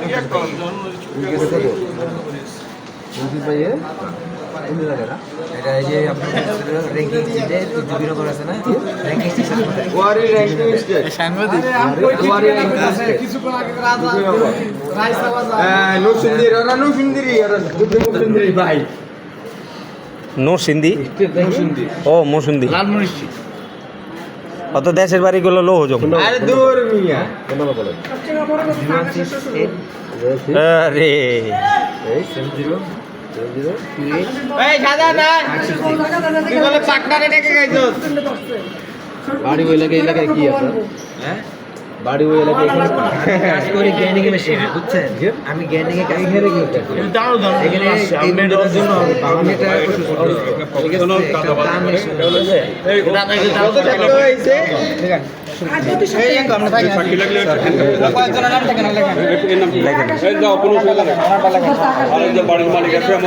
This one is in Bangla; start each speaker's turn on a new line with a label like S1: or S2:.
S1: এটা এই যে আপনার র্যাঙ্কিং সিটে বিনোদন আছে না র্যাঙ্কিং সিস্টেম
S2: ওয়ারি র্যাঙ্কিং স্টেট
S3: সাংবাদিক
S2: ওয়ারি র্যাঙ্কিং স্টেট
S3: কিছুক্ষণ আগে রাজা রাইসা বাজার
S2: নরসিংদীর ওরা নরসিংদীর ভাই
S4: নরসিংদী ও মরসিংদী
S3: লালমনিরচি
S4: অত দেশের বাড়িগুলো লো হজম
S2: আরে দূর মিয়া
S4: আরে
S2: এই সাদা না তুই বলে পাকনারে ডেকে গাইছস
S1: বাড়ি ওই এলাকায় কি আছে হ্যাঁ বাড়ি ওই এলাকায় কাজ করি গ্যানিং এ মেশিন বুঝছেন আমি গ্যানিং এ কাজ করে কি এখানে এই মেডের জন্য আমি এটা
S2: কত টাকা হইছে
S3: এই আমরা থাকি কয়েকজনের নাম থাকে না লেখা
S4: লেখেন
S5: এই যাও কোনো সুবিধা নেই। আর এই যে বাড়ির মালিক আছে